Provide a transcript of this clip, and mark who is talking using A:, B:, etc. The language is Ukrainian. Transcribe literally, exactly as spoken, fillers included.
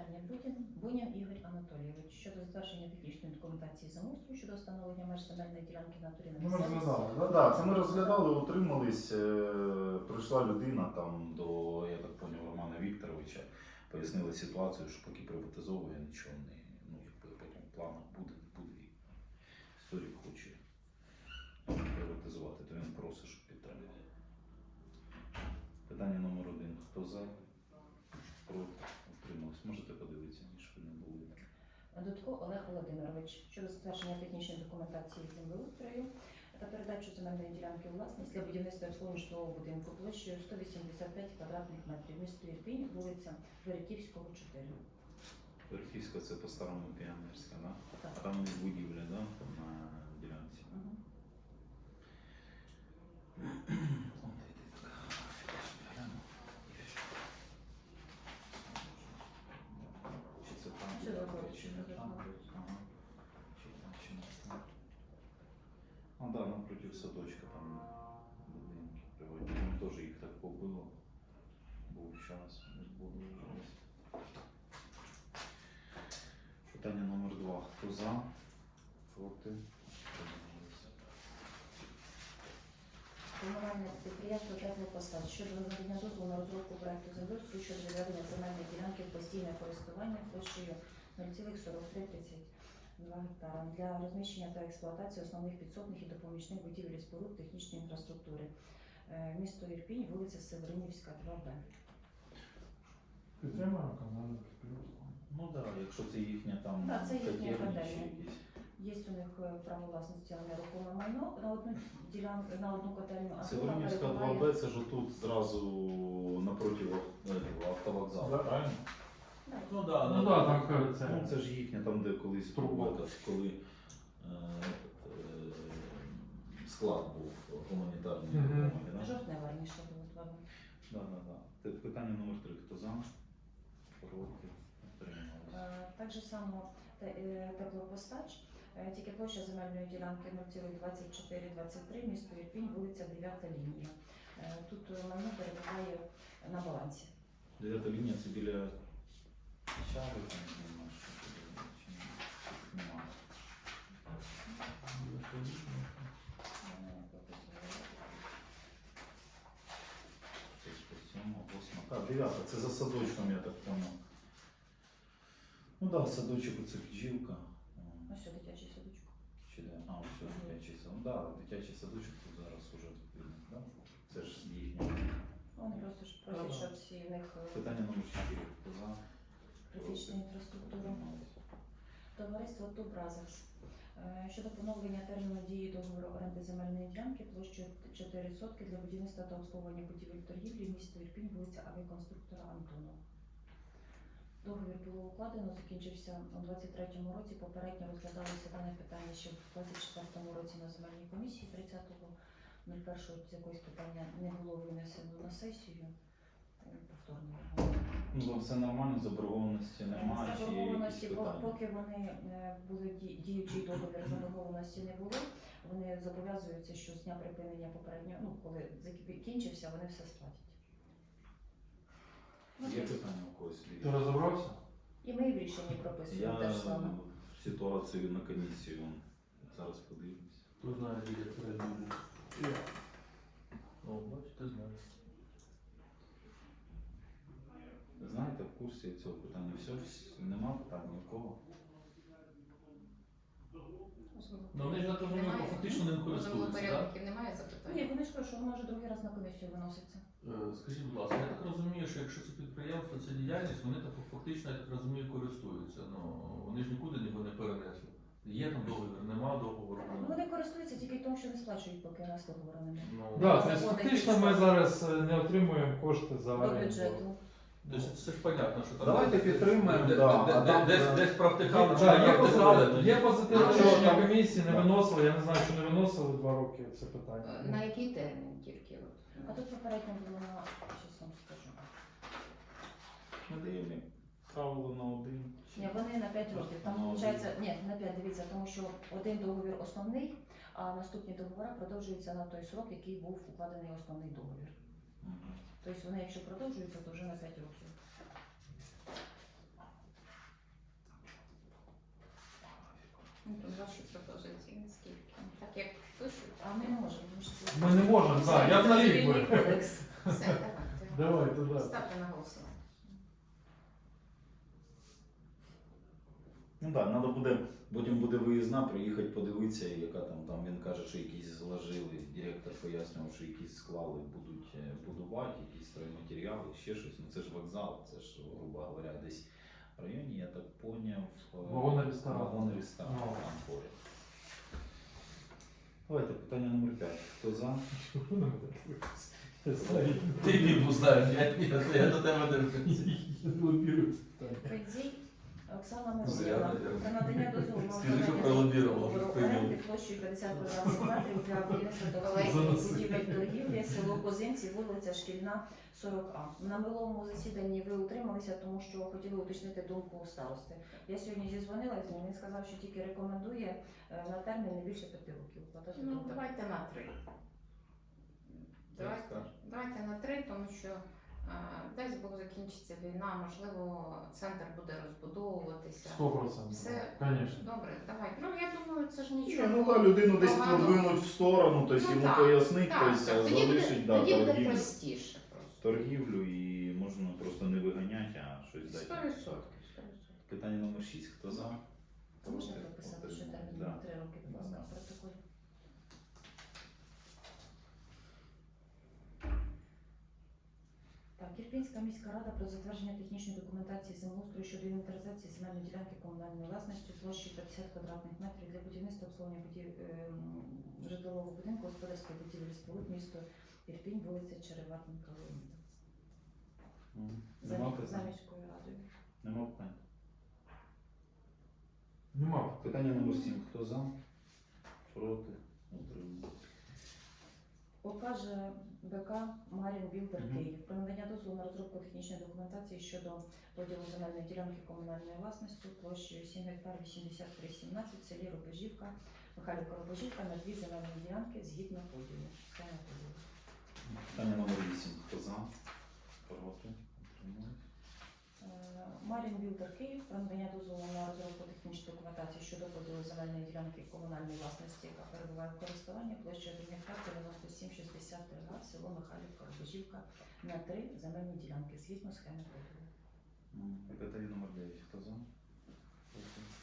A: питання Будін, Бунін Ігор Анатолійович щодо затвердження технічної документації землеустрою щодо встановлення меж земельної ділянки в натурі на
B: Ну, ми
A: місцевості.
B: розглядали. Да, да, це ми розглядали, утримались. е, Прийшла людина там до, я так поняв, Романа Вікторовича, пояснили ситуацію, що поки приватизовує, нічого не, ну, якби потім в планах буде, буде. Історик хоче приватизувати, то він просить, щоб підтримали. Питання номер один. Хто за? Проти? Утримались. Можете подивитися, ніж ви не були.
A: Дудко Олег Володимирович щодо затвердження технічної документації землеустрою та передачу земельної ділянки у власність для будівництва і обслуговування житлового будинку площею сто вісімдесят п'ять квадратних метрів, місто Ірпінь, вулиця Вериківського, чотири.
B: Верхівська це по-старому Піонерська, да?
A: Так.
B: А там у них будівля, да? Там на ділянці.
A: Угу.
B: Чи це там?
A: Це добре,
B: Чи
A: що
B: не
A: це
B: там?
A: добре.
B: Ага. Чи там, чи не там? Ну да, напротив садочка там будинки приводять. Там теж їх так побило. Був час, не було вже. Питання номер два. Хто за? Проти? Утримались.
A: Комунальне підприємство «Теплопостач» щодо надання дозволу на розробку проекту землеустрою щодо відведення земельної ділянки в постійне користування площею нуль цілих сорок три тридцять два гектара для розміщення та експлуатації основних підсобних і допоміжних будівель і споруд технічної інфраструктури. Е, Місто Ірпінь, вулиця Северинівська, два Б.
C: Підтримуємо комунальне підприємство.
B: Ну так, да, якщо це їхня там
A: Да, це їхня
B: котельня чи
A: котельня.
B: якісь.
A: Є у них е, право власності на нерухоме майно на одну ділянку, на одну котельню, а друга
B: Северинівська два
A: перебуває.
B: Б, це ж тут зразу напроти автовокзалу,
C: Да.
B: правильно?
A: Да,
D: Ну да,
C: Ну так, там
B: Ну
C: це.
B: це ж їхня, там де колись
C: Труба.
B: був, этот, коли е, е, склад був гуманітарної
C: Мгм.
B: допомоги. Да?
A: Жовтнева раніше було два Б.
B: Да, да, да. Те- Питання номер три. Хто за? Проти? Утримались.
A: Е, Так же само те- е, теплопостач, е, тільки площа земельної ділянки нуль цілих двадцять чотири двадцять три, місто Ірпінь, вулиця дев'ята лінія. Е, Тут е, майно перебуває на балансі.
B: Дев'ята лінія це біля Чари, там нема, що туди, чи ні? Нема. Шість, сьома, восьма. Так, дев'ята, це за садочком, я так понял. Ну так, да, садочок оце бджілка.
A: Ось що дитячий садочок.
B: Чи де? А, все, дитячий садочок. Ну так, да, дитячий садочок тут зараз уже видно, да? Це ж їхнє.
A: Вони просто ж просять,
C: Ага.
A: щоб всі в них е,
B: Питання номер чотири. Хто за?
A: критична інфраструктура. Товариство Ту Бразерс е, щодо поновлення терміну дії договору оренди земельної ділянки площею чотири сотки для будівництва та обслуговування будівель торгівлі місто Ірпінь, вулиця авіаконструктора Антонова. Договір було укладено, закінчився у двадцять третьому році. Попередньо розглядалося дане питання ще в двадцять четвертому році на земельній комісії. тридцятого першого з якогось питання не було винесено на сесію. Е, Повторно.
B: Ну, там все нормально, заборгованості немає, чи є якісь
A: Заборгованості, по-
B: питання?
A: поки вони е, були ді- діючий договір, заборгованості не було. Вони зобов'язуються, що з дня припинення попереднього, ну коли закінчився, вони все сплатять. Ну,
B: Є питання у когось?
C: Ти розібрався?
A: І ми в рішенні прописуємо те
B: Я
A: ж саме.
B: ситуацію на комісію зараз подивлюсь.
D: Хто знає, як передумав. Ну, бачиш, ти знаєш.
B: Знаєте, в курсі цього питання все, вс- нема питань ні в кого.
D: Ну, вони ж я так розумію,
E: Немає.
D: фактично ним користуються, так?
E: Землепорядників немає
A: Ні,
E: запитань?
A: вони ж кажуть, що воно вже другий раз на комісію виноситься.
D: Е, Скажіть, будь ласка, я так розумію, що якщо це підприємство, це діяльність, вони так фактично, я так розумію, користуються. Ну, вони ж нікуди його не перенесли. Є там договір, нема договору.
A: Ну, Вони користуються тільки тому, що не сплачують, поки у нас договору немає.
D: Ну,
C: Так,
A: Заводи
C: тобто фактично ми
A: підстави.
C: зараз е, не отримуємо кошти за
A: До
C: оренду.
A: бюджету.
D: тобто це ж понятно, що там...
B: Давайте підтримаємо,
D: де-
B: да,
D: де-
B: а
D: де-
B: там,
D: Десь
B: е,
D: десь провтикали, чи
C: Так,
D: не
C: є
D: провтикали,
C: позитив-
D: ну,
C: Є позитивне
E: А,
C: рішення
B: там-
C: комісії, не
B: Да.
C: виносили. Я не знаю, чи не виносили два роки це питання.
E: Е, На який термін тільки? от?
A: А тут попередньо було на щас вам скажу.
B: Ми даємо правило на один.
A: Ні, вони на п'ять років. Там
B: Ну,
A: виходить, ні, на п'ять, дивіться, тому що один договір основний, а наступні договори продовжуються на той срок, який був укладений основний договір.
B: Мгм.
A: Тобто вони, якщо продовжуються, то вже на п'ять років.
E: і наскільки. Так як пишуть,
A: А ми можемо. Ми, ж це-
C: Ми не можемо,
A: Це-
C: так, я
A: це
C: за рік
A: цивільний
C: би.
A: кодекс.
E: все, давайте.
C: Давайте, да.
E: Ставте на голосування.
B: Ну так, треба буде, потім буде виїзна, приїхати подивитися, яка там, там він каже, що якісь зложили, директор пояснював, що якісь склали, будуть е, будувати, якісь стройматеріали, ще щось. Ну це ж вокзал, це ж, грубо говоря, десь в районі, я так поняв, е,
C: Вагонний ресторан.
B: Вагонний ресторан,
C: Ну.
B: там поряд. Давайте, питання номер п'ять. Хто за?
D: Ти Бібу знаєш, я, я, я до тебе не рухаюся.
C: Лобірується питання.
A: Федзій Оксана
D: Ну,
A: Мирославівна.
D: я- я-
A: Про надання дозволу на
D: Скажи, що
A: виконання
D: пролобірувала,
A: договору
D: що прийняв.
A: оренди площею п'ятдесят квадратних метрів для будівництва та
E: Колеги.
A: обслуговування будівель торгівлі, село Козинці, вулиця Шкільна, сорок А. На минулому засіданні ви утрималися, тому що хотіли уточнити думку старости. Я сьогодні зізвонилася з ним, він сказав, що тільки рекомендує е, на термін не більше п'яти років укладати
E: Ну,
A: договір.
E: давайте на три. Давайте,
B: скажеш?
E: давайте на три, тому що а, десь Бог закінчиться війна, можливо, центр буде розбудовуватися.
C: Сто процентів.
E: Все.
C: Звісно.
E: Добре, давай. Ну я думаю, це ж
B: Ні,
E: нічого.
B: ну так, людину десь
E: Погано.
B: подвинуть в сторону, тобто
E: Ну,
B: йому
E: так,
B: пояснить,
E: Так,
B: тобто
E: так. Тоді буде,
B: залишить да,
E: тоді буде
B: торгівлю,
E: простіше просто.
B: торгівлю і можна просто не виганяти, а щось
E: Сто
B: дати.
E: відсотків. сто відсотків.
B: Питання номер шість. Хто за?
A: Можна
B: Проти?
A: прописати, що
B: Утримались?
A: термін
B: Да.
A: на три роки, будь ласка,
B: Да.
A: в протоколі. Так, Ірпінська міська рада про затвердження технічної документації землеустрою щодо інвентаризації земельної ділянки комунальної власності площею п'ятдесят квадратних метрів для будівництва обслуговування будів... ем, житлового будинку, господарської будівлі споруд, місто Ірпінь, вулиця Череватенка, Леоніда.
B: М,
A: За,
B: Нема
A: мі- за
B: питань?
A: міською радою.
B: Нема питань.
C: Нема.
B: Питання номер сім. Хто за? Проти? Утримались?
A: Покаже БК Марін Білдер
B: Мгм.
A: Київ про надання дозволу на розробку технічної документації щодо поділу земельної ділянки комунальної власності площею сім гектар вісімдесят три сімнадцять в селі Робежівка, Михайлівка Робежівка на дві земельні ділянки згідно поділу. Схема поділу.
B: Питання номер вісім. Хто за? Проти? Утримались?
A: Е, Марін Білдер Київ про надання дозволу на розробку технічної документації щодо поділу земельної ділянки комунальної власності, яка перебуває в користуванні площею один гектар дев'яносто сім шістдесят три га, село Михайлівка Робежівка на три земельні ділянки згідно схеми поділу.
B: М, Питання номер дев'ять. Хто за? Проти?